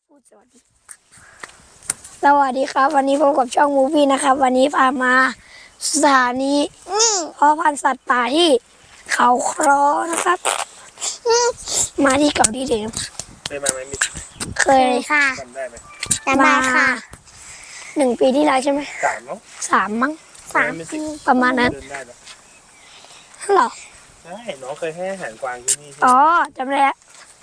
พูดสวัสดีครับวันนี้พบกับช่องมูฟี่นะครับวันนี้พามาสถานีเพาะพันธุ์สัตว์ป่าที่เขาครอนะครับมาที่เก่าที่เดิมเคยมาไหมมิเคยค่ะจำได้ไหมจำได้ค่ะ1 ปีที่แล้วใช่ไหม 3 มั้ง 3 ปีประมาณนั้นเดินได้ไหมหรอใช่น้องเคยให้อาหารกวางที่นี่อ๋อจำได้แล้ว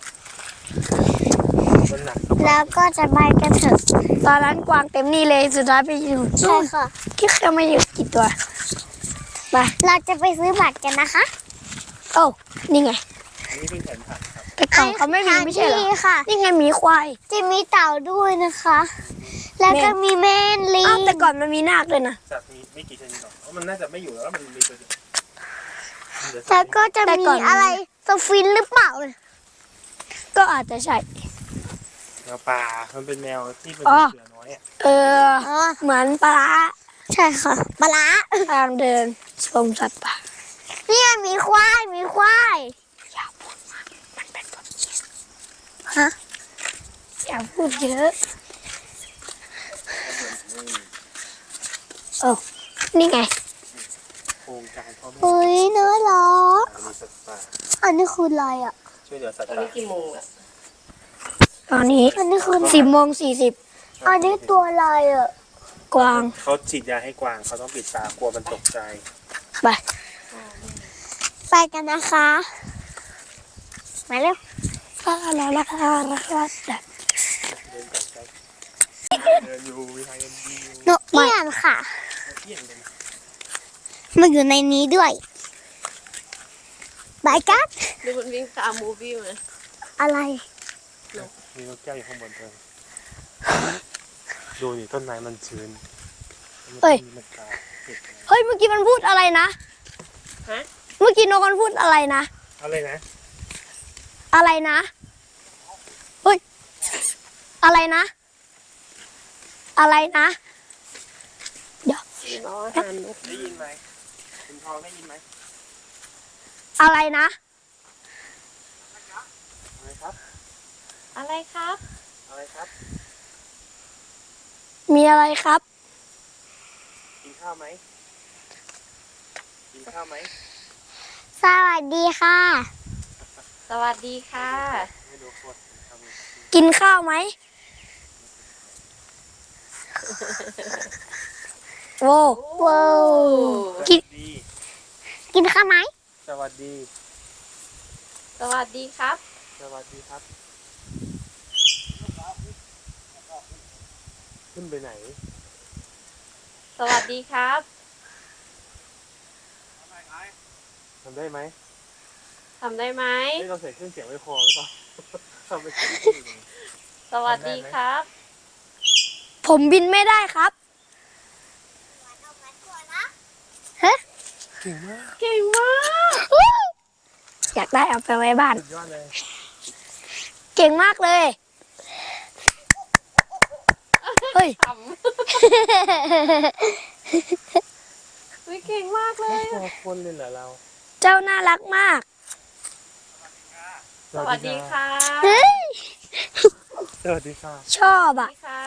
มันหนักแล้วก็จะไปกันเถอะตอนนั้นกวางเต็มนี่เลยสุดท้ายไปอยู่ใช่ค่ะคิดแค่ไม่อยู่กี่ตัวไปเราจะไปซื้อบัตรกันนะคะโอ้นี่ไงอันนี้เป็นแผนผักครับแต่ก่อนเขาไม่มีไม่ใช่เหรอนี่ค่ะนี่ไงหมีควายจะมีเต่าด้วยนะคะ แล้วก็มีแม่นลิอ้าวงแต่ก่อนมันมีนาคด้วยนะสัตว์มีไม่กี่ชนิดหรอกเพราะมันน่าจะไม่อยู่แล้วมันมีตัวเดียวเหลือสัแล้ตวว์ก็จะมีอะไรสฟินหรือเปล่าก็อาจจะใช่แมวป่ามันเป็นแมวที่เป็นอ๋อเสือน้อยอ่ะเอออ๋อเหมือนปลาร้าใช่ค่ะปลาร้าทางเดินชมสัตว์ป่าเนี่ยมีควายมีควายอย่าพูดมากมันเป็นแบบนี้ฮะอย่าพูดเยอะโอ้นี่ไงโครงการพ่อแม่เฮ้ยน่ารักมีสัตว์ป่าอันนี้คืออะไรอ่ะช่วยเหลือสัตว์ตอนป่านี้กี่โมงอะตอนนี้อันนี้คือ 10:40 อันนี้ตัวอะไรอ่ะกวางเขาฉีดยาให้กวางเขาต้องปิดตากลัวมันตกใจไปไปกันนะคะมาเร็วราคาเดินก่อนครับเดินอยู่วิทยาดีนกเอี้ยนค่ะเที่ยงกันมันอยู่ในนี้ด้วยไปกันดูมันวิ่งตามมูฟี่มาอะไรมีนกแก้วอยู่ข้างบนเธอดูนี่ต้นไม้มันชื้นมันตายเห็ดเฮ้ยเมื่อกี้มันพูดอะไรนะฮะเมื่อกี้นกมันพูดอะไรนะอะไรนะอะไรนะเฮ้ยอะไรนะ อะไรนะเดี๋ยวรออาหารนกได้ยินไหมคุณทองได้ยินไหมอะไรนะอะไรครับอะไรครับอะไรครับมีอะไรครับกินข้าวไหมกินข้าวไหมสวัสดีค่ะสวัสดีค่ะไม่รู้ว่าทำไงกินข้าวไหมโว้ว้าวกินดีกินข้าวไหมสวัสดีสวัสดีครับสวัสดีครับ ขึ้นไปไหนสวัสดีครับทำได้ไหมทำได้ไหมไม่เราใส่เครื่องเสียงไว้คอหรือเปล่าทำไปเสียงไม่ได้สวัสดีครับผมบินไม่ได้ครับเก่งมากเก่งมากอยากได้เอาไปไว้บ้านสุดยอดเลยเก่งมากเลย เฮ้ยทำวิเก่งมากเลยไม่กลัวคนเลยเหรอเราเจ้าน่ารักมากสวัสดีค่ะเฮ้ยสวัสดีค่ะชอบสวัอ่ะสดีค่ะ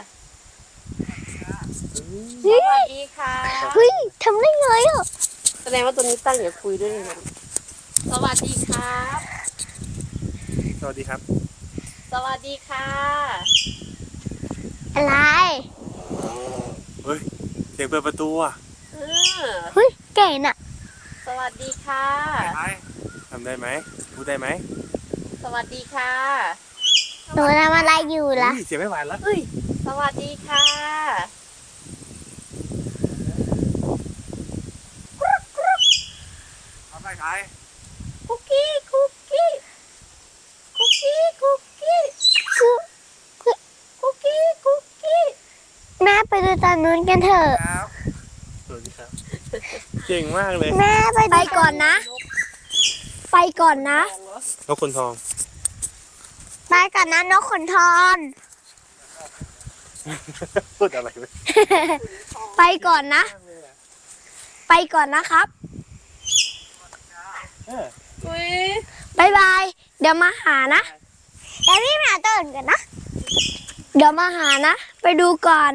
เฮ้สวัยสดีค่ะเฮ้ยทำได้ไงอ่ะแสดงว่าตัวนี้ตั้งอย่าคุยด้วยนะสวัสดีครับสวัสดีครับสวัสดีค่ะอะไรเฮ้ยเสียงเปิดประตูอ่ะเออเฮ้ยเก่งอ่ะสวัสดีค่ะทำได้ไหมพูดได้ไหมสวัสดีค่ะหนูทำอะไรอยู่ล่ะเสียงไม่ไหวแล้วเฮ้ย สวัสดีค่ะทำได้ไงคุกกี้ คุกกี้ คุกกี้ คุกกี้ คุกกี้ คุกกี้แม่ไปดูตอนนู้นกันเถอะครับสวัสดีครับเก่งมากเลยแม่ไปไปก่อนนะ ไปก่อนนะนกคนทองไปก่อนนะนกขนทองพูดอะไรไปไปก่อนนะ ไปก่อนนะครับอุ้ยบ๊ายบาย เดี๋ยวมาหานะแล้วพี่หมาตื่นกันนะเดี๋ยวมาหานะ ไปดูก่อน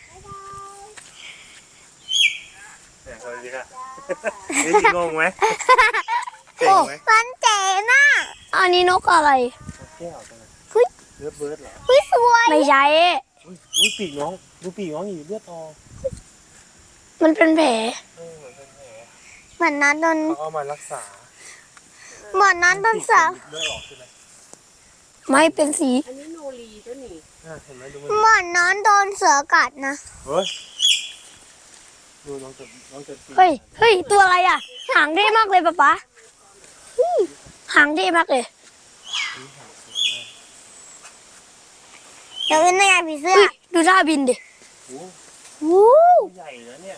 เนี่ยสวัสดีค่ะนี่งงไหมเจ๋งไหมมันเจ๋งน่ะอันนี้นกอะไรแก้วจังเลยเลือดเบิร์ดเหรอเฮ้ยสวยไม่ใช่อุ้ยปีกน้องดูปีกน้องอยู่เลือดออกมันเป็นแผลเหมือนเป็นแผลเหมือนนั้นโดนเขาเอามารักษาเหมือนนั้นโดนเสือเลือดออกใช่ไหมไม่เป็นสีอันนี้โนรีตัวนี้เห็นไหมดูเหมือนนั้นโดนเสือกัดนะเฮ้ยดูน้องจะเฮ้ย ตัวอะไรอ่ะ หางเท่มากเลยป๊าป๊าหางเท่มากเลยเดี๋ยวเป็นยังไงผีเสื้อเฮ้ย ดูท่าบินดิโอ้วู้ตัวใหญ่นะเนี่ย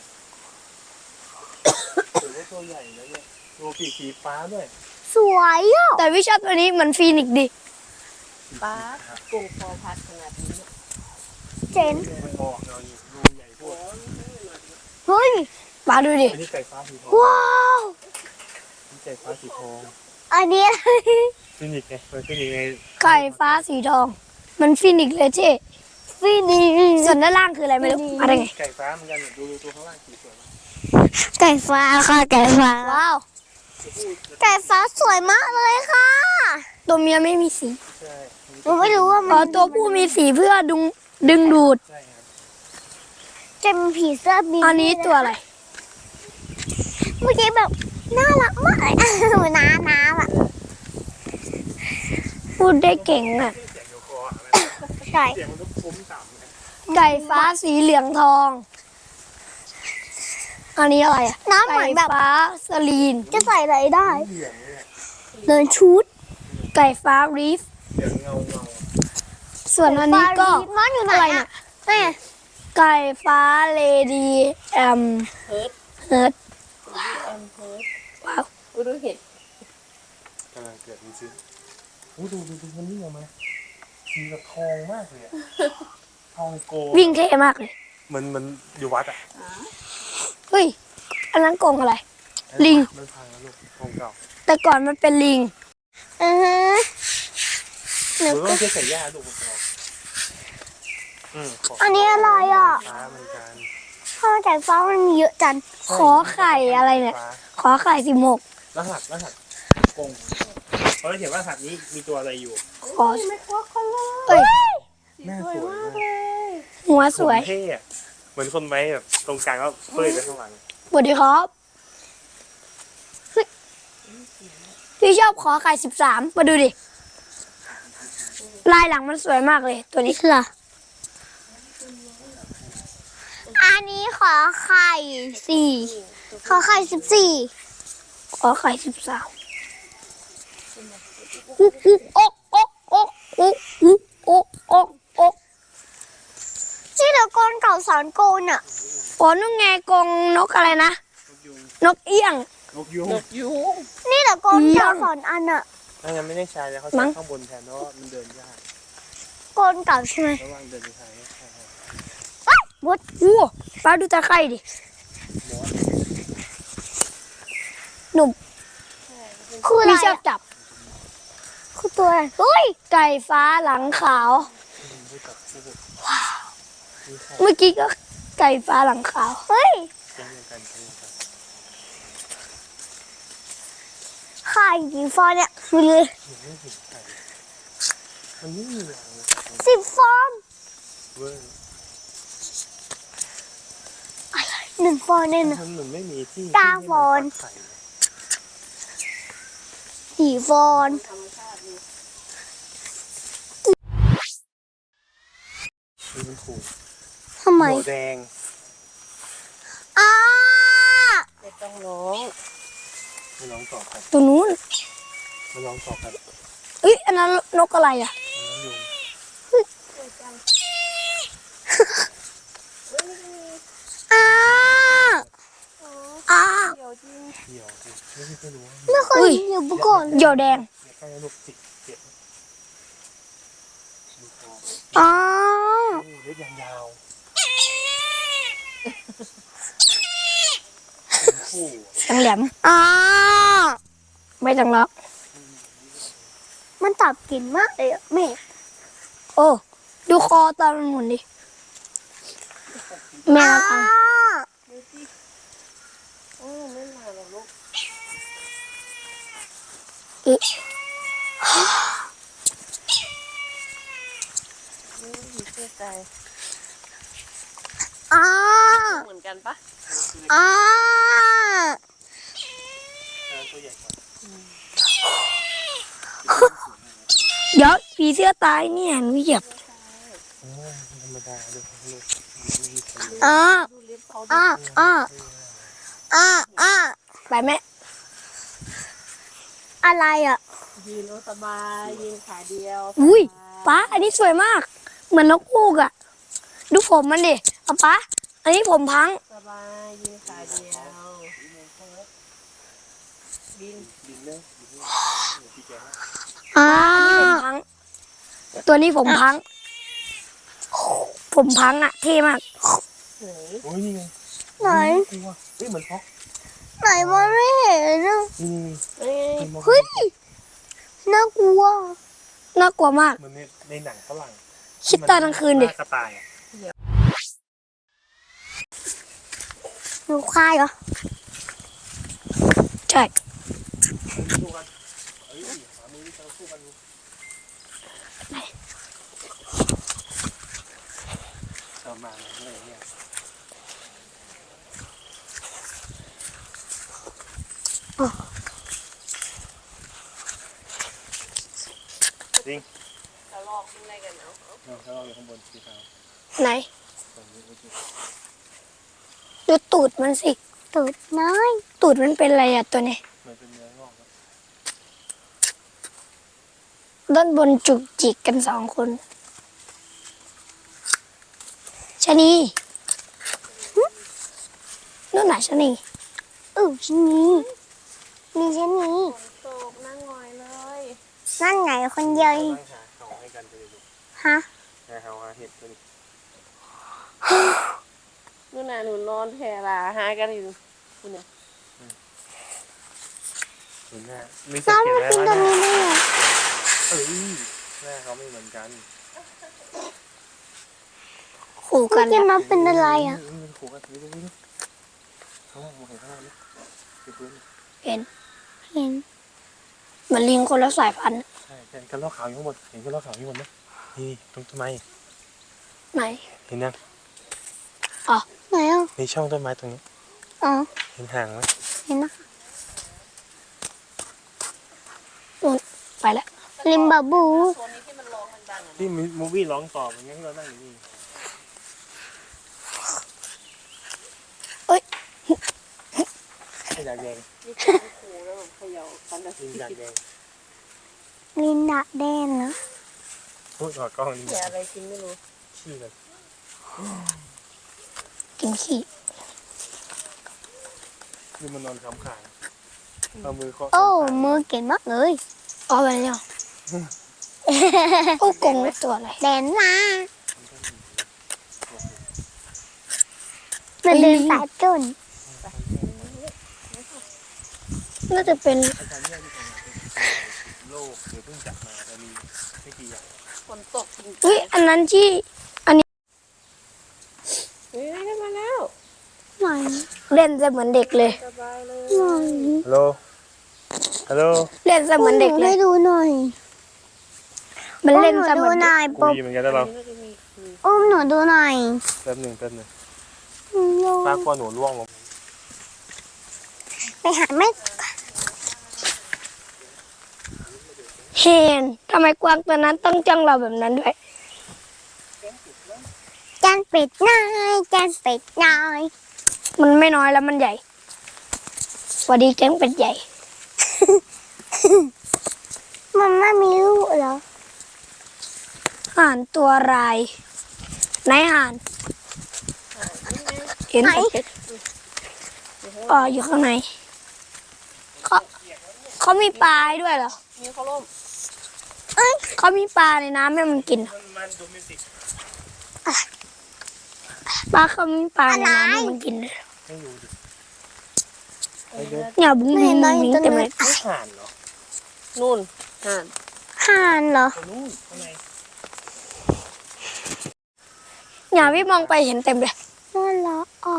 ถือว่าตัวใหญ่นะเนี่ยตัวปีกสีฟ้าด้วยสวยอ่ะแต่วิชาตัวนี้เหมือนฟีนิกซ์ดิป้ากุ้งพอพัดขนาดนี้เจ๋งมันออกเราอยู่ดูใหญ่พวกเฮ้ยป๊าดูดิอันนี้ไก่ฟ้าสีทองว้าวนี่ไก่ฟ้าสีทองอันนี้ฟินิกไงมันฟินิกไงไก่ฟ้าสีทอง มันฟีนิกซ์เลยเจ๊ฟีนีส่วนด้านล่างคืออะไรไม่รู้มาได้ไงไก่ฟ้าเหมือนกันดูตัวข้างล่างสีสวยมากไก่ฟ้าค่ะไก่ฟ้าว้าวไก่ฟ้าสวยมากเลยค่ะตัวเมียไม่มีสีใช่หนูไม่รู้ว่าอ๋มัอน ตัวผู้มีสีเพื่อดึงดูดใช่ครับจะมีผีเสื้อบินอันนี้ตัวอะไรเมื่อกี้แบบน่ารักมากเลย เหมือนน้ำอ่ะพูดได้เก่งอ่ะเสียงอยู่คออะไรใช่เสียงมันก็ฟุ้มต่ำไงไก่ฟ้าสีเหลืองทอง อันนี้อะไรอ่ะน้ำเหมือนแบบไก่ฟ้าสลีนจะใส่อะไรได้เหลืองเนี่ยเดินชุดไก่ฟ้ารีฟเหลืองเงาส่วนอันนี้ก็มันอยู่ไหนอะไรอ่ะเนี่ยแม่ไก่ฟ้าเลดีเฮิร์ตเฮิร์ตแอมเฮิร์ตว้าวรู้เห็ดกำลังเกิดดูซิโอ้ดูมันนี่ออกมาสีแบบทองมากเลยอะทองโกวิ่งเท่มากเลยมันอยู่วัดอ่ะเฮ้ย อันนั้นกรงอะไร ลิงมันพังแล้วลูกทองเก่าแต่ก่อนมันเป็นลิงอือฮะหรือต้องเช็คใส่ย่าลูกมันออกขอันนี้อะไรอ่ะฟ้าเหมือนกันข้าวไก่ฟ้ามันมีเยอะจังขอไข่อะไรเนี่ยฟ้าขอไข่16 รหัสกงเขาจะเขียนว่ารหัสนี้มีตัวอะไรอยู่ขอเอ้ยหน้าสวยมากหัวสวยผมเท่อะเหมือนคนไว้แบบตรงกลางก็เป้ยไปข้างหลังสวัสดีครับเฮ้ยพี่ชอบขอไข่13 มาดูดิ ลายหลังมันสวยมากเลย ตัวนี้คืออะไรอันนี้ขอไข่4ขอไข่14 ขอไข่13อุ๊กอุ๊กอ๊กอ๊กอ๊กอุ๊กอุ๊กอ๊กอ๊กอ๊กนี่เดี๋ยวโกนเก่าสอนโกนอ่ะอ๋อนุ่งไงกรงนกอะไรนะ นกเอี้ยงนกยุงนกยูงนี่เดี๋ยวโกนเก่าสอนอันอ่ะถ้ายังไม่ได้ใช้แล้วเขามั้ใช้งข้างบนแทนเพราะว่ามันเดินยากโกนเก่าใช่ไหมระหว่างเดินไปทางนี้ใช่วัดอู้ป้าดูตะไคร่ดิ หนุ่มคืออะไรพี่ชอบอะจับคือตัวอะไรเฮ้ยไก่ฟ้าหลังขาวไม่จับคู่มีไข่เมื่อกี้ก็ไก่ฟ้าหลังขาวเฮ้ยเช่นเดียวกันเช่นเดียวกันไข่กี่ฟองเนี่ยมีเลยหนูไม่เห็นไข่มันไม่มีอย่างเลย 10 ฟองเว้ย 1 ฟองเนี่ยนะมันเหมือนไม่มีที่กาฟอนไข่ 4 ฟองธรรมชาตินี่มันถูกทำไมหัวแดงอ้าไม่ต้องร้องมาลองต่อกันตัวนู้นมาลองต่อกันเอ้ยอันนั้นนกอะไรอ่ะน้องยุงอ้าอ้าเดี๋ยวจริงเหี่ยวสิไม่รู้ว่าไม่เคยเห็นอยู่มาก่อนเหยี่ยวแดงอย่าใกล้ลูกจิกเจ็บดูคออ้าเล็บยาวๆคู่เสียงแหลมอ้าไม่ต้องล็อกมันตับกลิ่นมากเลยอะแม่โอ้ ดูดูคอตอนมันหมุนดิแม่เราฟังดูสิโอ้ไม่มาหรอกลูกอึผีเสื้อใจอ๋อเหมือนกันปะอ๋อตัวใหญ่กว่าเดี๋ยวผีเสื้อตายเนี่ยหนูเหยียบโอ้ธรรมดาเลยลูกอ๋อดูเล็บเขาอ๋ออ๋ออ๋ออ๋อไปแม่อะไรอ่ะยืนโอสบายยืนขาเดียวอุ้ยป้าอันนี้สวยมาก เหมือนนกฮูกอะดูผมมันดิเอาป้าอันนี้ผมพังสบายยืนขาเดียวบินบินเลยบินเลยพี่แกอ๋อผมพัง ตัวนี้ผมพัง ผมพังอะเท่มากไหนโอ้ยนี่ไงไหนกลัวเฮ้ยเหมือนฟอกไหนมันไม่เห็นอะนี่เอ้ยเฮ้ยน่ากลัวน่ากลัวมากเหมือนในหนังฝรั่งคิดตอนกลางคืนดิกระต่ายอะหนูควายเหรอใช่สู้กันเอ้ยหามือที่จะสู้กันดูเอามาเลยเนี่ยจริงกระลอกขึ้นอะไรกันเนาะถ้าเราอยู่ข้างบนสีขาวไหนตรงนี้โอเคดูตูดมันสิตูดน้อยตูดมันเป็นอะไรอะตัวนี้มันเป็นเนื้องอกครับด้านบนจุกจิกกัน2 คนชะนีนู่นน่ะชะนีฉันนี้มีฉันนี้ฝนตกนั่งงอยเลยนั่นไงคนเดียวเองตั้งหาเขาให้กันไปเลยลูกฮะหาเขาหาเห็ดไปเลยนู่นน่ะหนูนอนแผ่ลาหากันอยู่คุณเนี่ยเห็นหน้าไม่สัน้งองเกตมาได้กินว่าตรงนี้ได้ไงเอ้ยหน้าเขาไม่เหมือนกันขู่กัเมื่อน กี้แล้วมันเป็นอะไรอ่ะมันขู่กันดูข้างล่างมองเห็นข้างล่างไหมดูพื้นเห็นเห็นเหมือนลิงคนละสายพันธุ์ใช่เห็นกระรอกขาวอยู่ข้างบนเห็นกระรอกขาวอยู่ข้างบนไหมนี่ตรงต้นไม้ไหนเห็นยังไหนอ่ะในช่องต้นไม้ตรงนี้อ๋อเห็นห่างไหมเห็นนะไปแล้วลิมบาบูโซนนี้ที่มันร้องดังๆอ่ะที่มูวี่ร้องต่อเหมือนกันที่เรานั่งอยู่นี่เอ้ยไม่อยากแดงนี่คือขู่แล้วแบบเขย่ากันนะยิงอยากแดงลินดาแดนเหรอพูดต่อกล้องนี่แย่อะไรกินไม่รู้ขี้เลยกินขี้คือมันนอนค้ำขาเอามือเคาะโอ้มือเก่งมากเลยเอาไปแล้วโอ้กงเป็นตัวอะไรแดนมามันเดินสายจนน่าจะเป็นอาจารย์เนี่ยที่ทำงานเป็นโลกหรือเพิ่งจัดมาแต่มีไม่กี่อย่างฝนตกจริงอุ้ยอันนั้นที่เฮ้ยได้มาแล้วไหนเล่นจะเหมือนเด็กเลยสบายเลยหน่อยฮัลโหลฮัลโหลเล่นจะเหมือนเด็กเลให้ยดูหน่อยมันเล่นหนูจะเหดูมือนหเด็กน่อยกูปุ๊บมีเหมือนกันแล้วเราน่าจะมีอุ้มหนูดูหน่อยแป๊บหนึ่งป้ากลัวหนูร่วงลงไปหาแม่เห็นทำไมกวางตัวนั้นต้องจ้องเราแบบนั้นด้วยจานเป็ดน้อยจานเป็ดน้อยมันไม่น้อยแล้วมันใหญ่สวัสดีแจ้งเป็ดใหญ่มันไม่มีลูกเหรอห่านตัวรายไหนห่าน เห็นแต่เป็ดอ๋ออยู่ข้างในเขามีปลาให้ด้วยเหรอมีเขาล่มเขามีปลาในน้ำให้มันกินมันโดเมติกปลาเขามีปลาในน้ำให้มันกินเลยไม่อยู่ดิไอ้เด็กเนี่ยบุ้งบุ้งบุ้งบุ้งเต็มเลยไม่ห่านเหรอนู่นห่านห่านเหรอตรงนู้นข้างในเนี่ยพี่มองไปเห็นเต็มเลยน่ารักอ่ะ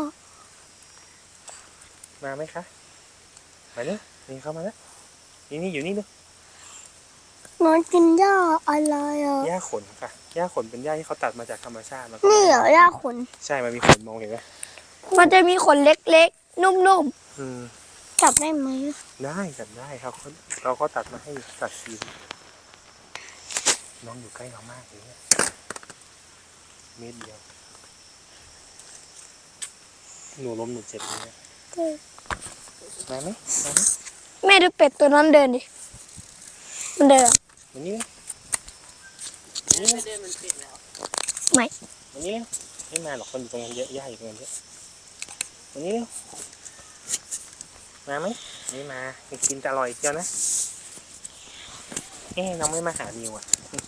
มาไหมคะมาเนี่ยนี่เข้ามาแล้วนี่อยู่นี่ดูน้องกินหญ้าอะไรอ่ะหญ้าขนค่ะหญ้าขนเป็นหญ้าที่เขาตัดมาจากธรรมชาติแล้วก็นี่เหรอหญ้าขนใช่มันมีขนมองเห็นไหมมันจะมีขนเล็กๆ นุ่มอืมจับได้ไหมได้จับได้ครับเราก็ตัดมาให้ตัดสีน้องอยู่ใกล้เรามากเลยเนี่ยเมตรเดียวหนูล้มหนูเจ็บเลยเนี่ยมาไหมมาไหมๆ แม่ดูเป็ดตัวนั้นเดินดิ มันเดินวันนี้ไม่เดินมันปิดแล้วไม่วันนี้ไม่มาหรอกคนอยู่ตรงนั้นเยอะย่าอยู่ตรงนั้นเยอะวันนี้มาไหมไม่มากินแต่อร่อยเจียวนะน้องไม่มาหานิวอ่ะ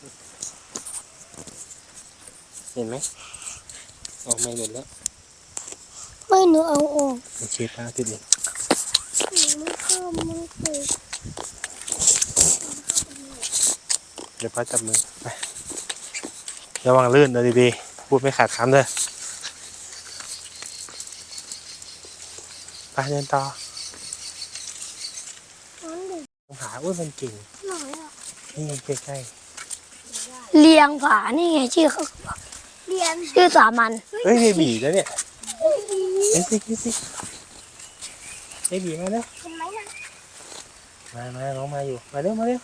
เห็นไหมออกมาหมดแล้วไม่หนูเอาออกโอเคป้าติดเลยไม่ชอบมันเลยเดี๋ยวป้าจับมือไประวังลื่นเลยดีๆพูดไม่ขาดคำเลยไปเดินต่อน้องเด็กหาอุ้ยมันเก่งหน่อยอ่ะนี่ใกล้เลียงผา นี่ไงชื่อเขาเรียนชื่อสามัญๆเฮ้ยเบบีแล้วเนี่ยเฮ้ยสิเบบีมาแล้วเห็นไหมนะมาน้องมาอยู่มาเร็วมาเร็ว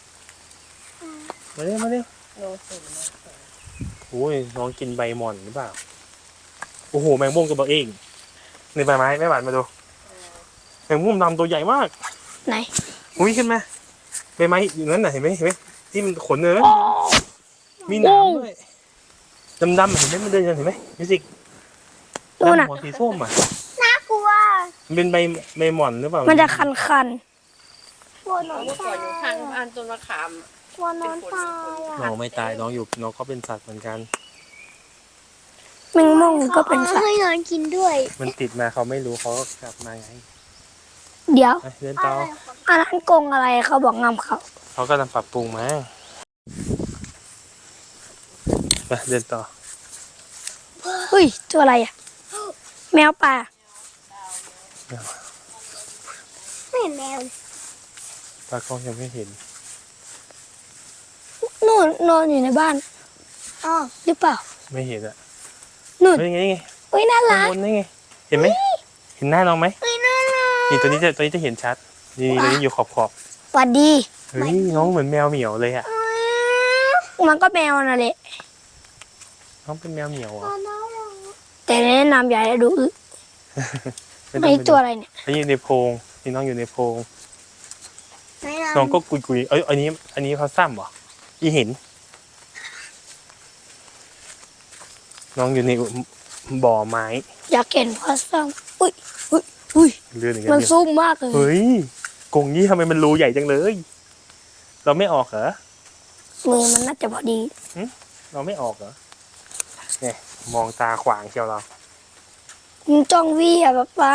โลสุดนะโอ้ยน้องกินใบหม่อนหรือเปล่าโอ้โหแมงมุมตัวเองในใบไม้ไม่หวานมาดูแมงมุมดำตัวใหญ่มากไหนอุ้ยขึ้นมาใบไม้อยู่นั้นน่ะเห็นไหมที่มันขนเลยนะมีหนามด้วยดำๆเห็นไหมมันเดินยังเห็นไหมมิวสิกดูน่ะดำหัวสีส้มอ่ะน่ากลัวมันเป็นใบหม่อนหรือเปล่ามันจะคันกลัวนอนเมื่อก่ตาอนยอยู่ข้างบ้านต้นมะขามกลัวนอนตายอ่ะน้องไม่ตายน้องอยู่น้องก็เป็นสัตว์เหมือนกันๆแมงมุมก็เป็นสัตว์ให้นอนกินด้วยมันติดมาเขาไม่รู้เขาก็กลับมาไงเดี๋ยวไปเดินต่ออันนั้นกรงอะไรเขาบอกงามเขาเขากำลังปรับปรุงมาไปเดินต่อเฮ้ย ตัวอะไรอ่ะ แมวป่าไม่เห็นแมวตากล้องยังไม่เห็นนู่นนอนอยู่ในบ้านอ๋อหรือเปล่าไม่เห็นอ่ะนู่นเฮ้ยไงเฮ้ย น่าข้างรักบนนี่ไงเห็นไหมเห็นหน้าน้องไหมเฮ้ยน่ารักนี่ตัวนี้จะเห็นชัดนี่ตัวนี้อยู่ขอบสวัสดีเฮ้ยน้องเหมือนแมวเหมียวเลยอ่ะมันก็แมวน่ะแหละน้องเป็นแมวเหมียวเหรอน่ารักแต่แนะนำอย่าให้ดูอึไม่ต้ไม่องไปดูตัวอะไรเนี่ยอันนี้อยู่ในโพรงนี่น้องอยู่ในโพรงไม่น้องก็กุยๆอันนี้เขาซ้ำเหรออีเห็น น้องอยู่ในบ่อไม้อยากเห็นพ่อซ้ำอุ้ยอุ้ยอุ้ยเลื่อนอย่างมันเงี้ยซุ่มมากเลยเฮ้ยกรงนี้ทำไมมันรูใหญ่จังเลย เราไม่ออกเหรอมือมันน่าจะพอดีเราไม่ออกเหรอเนี่ยมองตาขวางเชียวเรามันจ้องวี่อ่ะป๊า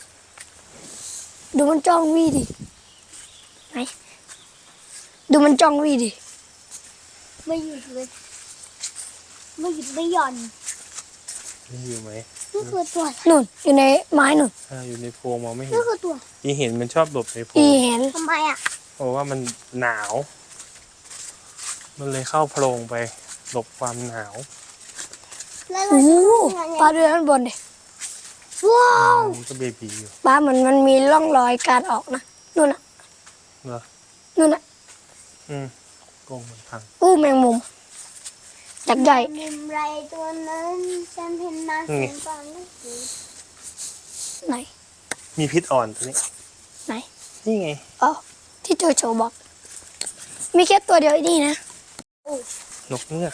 ดูมันจ้องวี่ดิไหนดูมันจ้องวี่ดิไม่หยุดเลยไม่หยุดไม่หย่อนนี่อยู่ไหมนี่คือตัวนู่นอยู่ในไม้นู่นอยู่ในโพรงมองไม่เห็นนี่คือตัวอีเห็นมันชอบหลบในโพรอีงเห็นทำไมอ่ะเพราะว่ามันหนาว มันเลยเข้าโพรงไปหลบความหนาวแล้วโอ้เราโหจะปลาเดือนข้างบนดิว้าวมันก็เบบีอยู่ปลาเหมือนมันมีร่องรอยการออกนะนู่นน่ะเหรอนู่นน่ะกรงมันพังอู้แมงมุมจักใหญ่มุมไรตัวนั้นฉันเห็นมานี่ไงเห็นตอนนั้นคือไหนมีพิษอ่อนตัวนี้ไหนนี่ไงอ๋อที่โจโฉบอก มีแค่ตัวเดียวไอ้นี่นะนกเงือก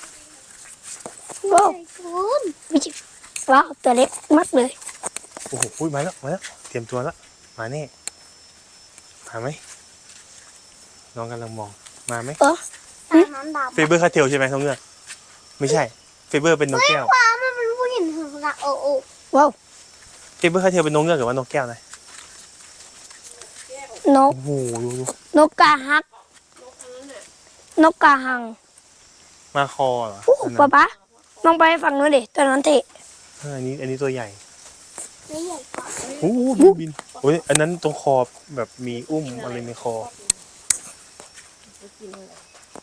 ว้าวคุณไม่จิว้าวตัวเล็กมากเลยโอ้โหมาแล้วเตรียมตัวแล้วมาแน่มาไหมน้องกำลังมองมาไหมเออตาน้ำดำเฟเบอร์คาเทลใช่ไหมนกเงือกไม่ใช่เฟเบอร์เป็นนกแก้วว้ามันเป็นผู้หญิงถึงละโอ้โอ้ว้าวเฟเบอร์คาเทลเป็นนกเงือกหรือว่านกแก้วนะนกโอ้โหดูนกกาฮัก นกกาหังมาคอเหรออู้อันนั้นป๊าป๊ามองไปฝั่งนู้นดิตัวนั้นเตะอันนี้ตัวใหญ่ไม่ใหญ่กว่าโอ้โหดูบินโอ้ยอันนั้นตรงคอแบบมีอุ้มอะไรในคอจะกินอะไร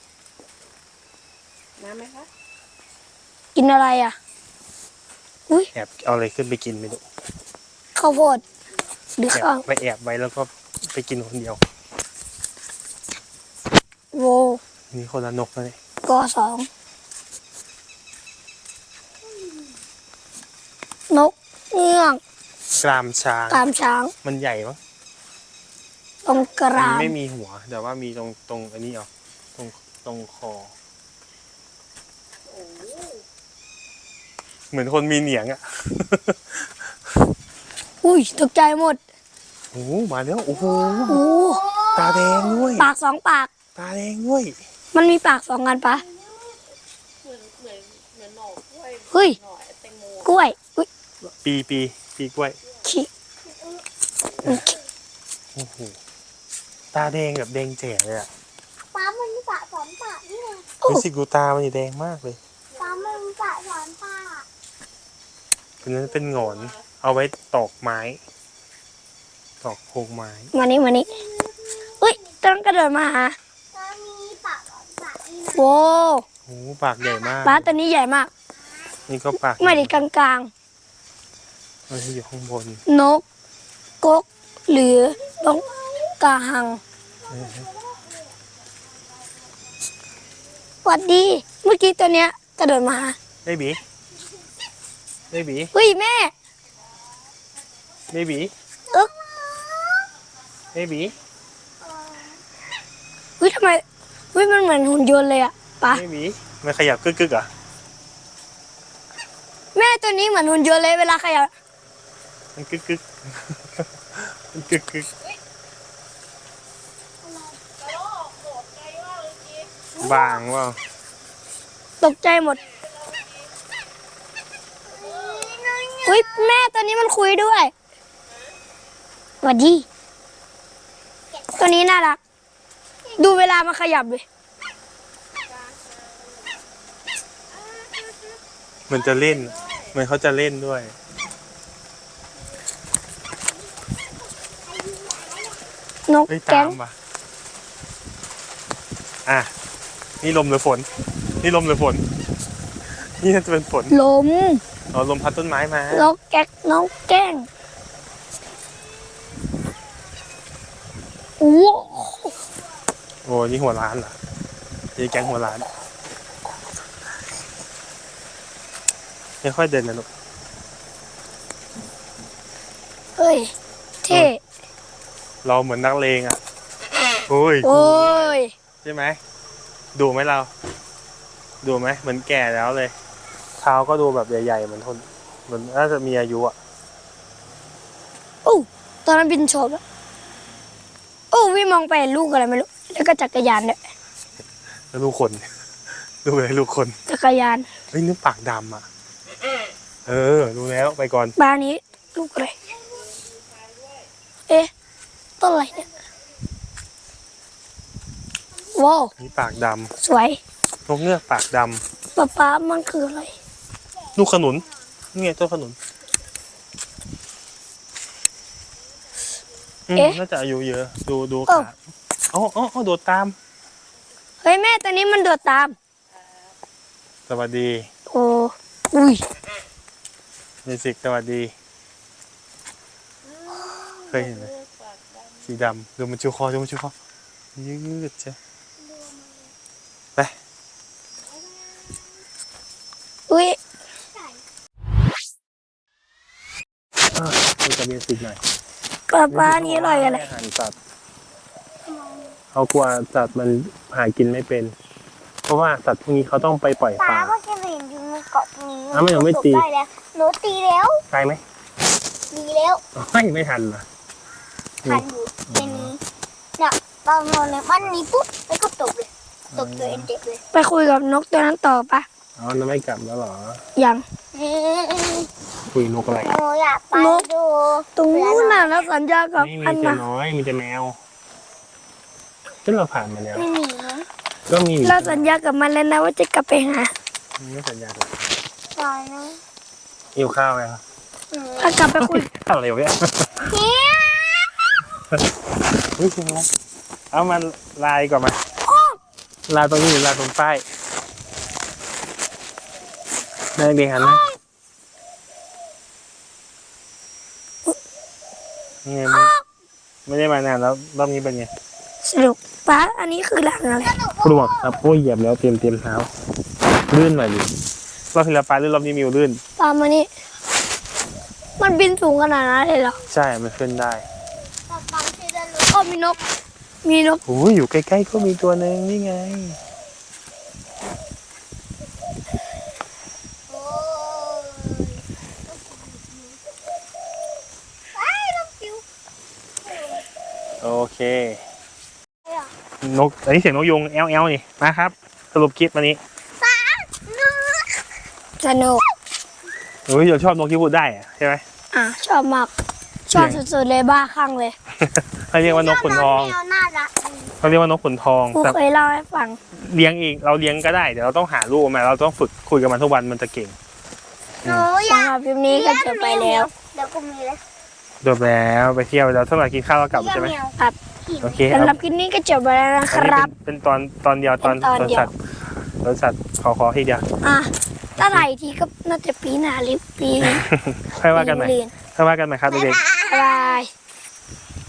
น้ำไหมคะกินอะไรอ่ะแอบเอาอะไรขึ้นไปกินไม่รู้ข้าวโพดหรือแอบข้าวไปแอบไว้แล้วก็ไปกินคนเดียวโวนี่คนละนกเลยกอสองนกเงือกกรามช้างตามช้างมันใหญ่มั้งตรงกมัราน มไม่มีหัว แต่ว่ามีตรงอันนี้เหรอตรงคอ เหมือนคนมีเหนียงอ่ะอุ้ยตกใจหมดโอ้โหมาแล้วโอ้โหโอ้ตาแดงด้วยปากสองปากตาแดงด้วยมันมีปากสองกันปะเหมือนหน่อกล้วยเฮ้ยหน่อแตงโมกล้วยอุ้ยปีกล้วยขี้โอ้โหตาแดงแบบแดงแจ๋เลยอ่ะป้ามันมีปะสอนปะนี่ไงรู้สึกดูตามันแดงมากเลยป้ามันมีปะสอนปะอันนั้นเป็นหงอน เอาไว้ตอกไม้ ตอกโครงไม้มานี่อุ้ยต้องกระโดดมาหาป้ามีปะสอนปะนี่นะโว้โอ้โหปากใหญ่มากปลาตัวนี้ใหญ่มากนี่ก็ปากไม่ได้กลางมันอยู่ข้างบนๆ นกกกหรือนกกาหังสวัสดี เมื่อกี้ตัวเนี้ยกระโดดมาหาเบบีเบบีเฮ้ยแม่เบบีอึ๊กเบบีเฮ้ยทำไมเฮ้ยมันเหมือนหุ่นยนต์เลยอะปะเบบีมันขยับกึกอ่ะแม่ตัวนี้เหมือนหุ่นยนต์เลยเวลาขยับมันกึก มันกึกบางว่าตกใจหมดเฮ้ยแม่ตัวนี้มันคุยด้วยสวัสดี ตัวนี้น่ารัก ดูเวลามันขยับเลยมันจะเล่นเหมือนเขาจะเล่นด้วยนกเฮ้ยแก๊ตาง มว่ะอ่ะ นี่ลมหรือฝน นี่ลมหรือฝน นี่น่าจะเป็นฝนลมเอาลมพัดต้นไม้มานกแก๊กนกแก้งโอ้โอ้นี่หัวร้านเหรอนี่แก๊งหัวร้านค่อยๆเดินนะลูกเฮ้ยเท่เราเหมือนนักเลงอ่ะ โอ้ยโอ้ยใช่ไหมดูไหมเรา ดูไหมเหมือนแก่แล้วเลย เท้าก็ดูแบบใหญ่ๆเหมือนคนเหมือนน่าจะมีอายุอ่ะโอ้ตอนนั้นบินโฉบแล้วโอ้วิ่งมองไปเห็นลูกอะไรไม่รู้แล้วก็จักรยานเนี่ยแล้วลูกคน ดูเลยลูกคนจักรยานเฮ้ยนึกปากดำอ่ะ เออรู้แล้วไปก่อนบ้านนี้ลูกอะไรเอ๊ะต้นอะไรเนี่ยว้าวนี่ปากดสวยำนกเงือกปากดป๊ามันคืออะไรำลูกขนุนนี่ไงต้นขนุนน่าจะอายุเยอะ ดูขาอ๋อโดดตามเฮ้ยแม่ตัวนี้มันโดดตามสวัสดีโอ้อุ้ยเมสิกสวัสดี เคยเห็นไหมสีดำดูมันชูคอยืดใช่ไปอุ้ยดูจะเบสิกหน่อยป๊านี่อร่อยอะไรอาหารสัตว์เขากลัวสัตว์มันหากินไม่เป็น เพราะว่าสัตว์พวกนี้เขาต้องไปปล่อยป้าป่าเมื่อกี้เห็นอยู่ในเกาะนี้อ้าวมันยังไม่ตีได้แล้วหนูตีแล้วตายไหมตีแล้วไม่ทันเหรอทันอยู่ในนี้เนี่ยตอนนอนในบ้านนี้ปุ๊บแล้วก็ตกเลยตกตัวเองเจ็บเลยไปคุยกับนกตัวนั้นต่อปะอ๋อนั่นไม่กลับแล้วเหรอยังคุยนกอะไรหนูอยากไปดูตรงนู้นน่ะแล้วสัญญากับไม่มีอันแต่น่ะน้อยมีแต่แมวที่เราผ่านมาแล้วไม่มีนะก็มีเราสัญญากับมันแล้วนะว่าจะกลับไปหาไม่สัญญาเลยตายนะหิวข้าวไหมครับถ้ากลับไปคุยอะไรวะเนี่ยเฮียเฮ้ยจริงนะเอามันลายก่อนมาลายตรงนี้หรือลายตรงป้ายได้เรียงหันนะนี่ไงไม่ได้มานานแล้วรอบนี้เป็นไงสรุปป้าอันนี้คือหลังอะไรปลวกครับโอ้ยเหยียบแล้วเตรียมเท้าลื่นหน่อยดิรอบที่แล้วปลาลื่นรอบนี้มิวลื่นตามมานี่มันบินสูงขนาดนั้นเลยเหรอใช่มันขึ้นได้ตาฟังชื่อได้เลยโอ้มีนก มีนกโอ้ยอยู่ใกล้ๆก็มีตัวหนึ่งนี่ไงโอ้ยไอ้ลูกจิ๋วโอเคนกอันนี้เสียงนกยุงแอลนี่มาครับ สรุปคลิปวันนี้สนุกโอ้ยเราชอบนกที่พูดได้อะใช่ไหมชอบมาก ชอบสุดๆเลยบ้าคลั่งเลยเขาเรียกว่านกขุนทองแมวน่ารักดีเขาเรียกว่านกขุนทองครูแต่เคยเล่าให้ฟังเลี้ยงเองเราเลี้ยงก็ได้เดี๋ยวเราต้องหาลูกมาเราต้องฝึกคุยกับมันทุกวันมันจะเก่งหนูอยากสำหรับคลิปนี้ก็จบไปแล้วเดี๋ยวกูมีเลยจบแล้วไปเที่ยวแล้วเท่าไหร่กินข้าวแล้วกลับใช่ไหมเลี้ยงแมวครับโอเคสำหรับคลิปนี้ก็จบไปแล้วนะคอันนี้รับเป็นตอนเดียวตอนเป็นตอนเดียวสัตว์ตอนสัตว์ขอทีเดียวถ้าไหร่ทีก็น่าจะปีหน้าหรือปีค่อยว่ากันใหม่เรียนค่อยว่ากันใหม่ครับเด็กๆบ๊ายบาย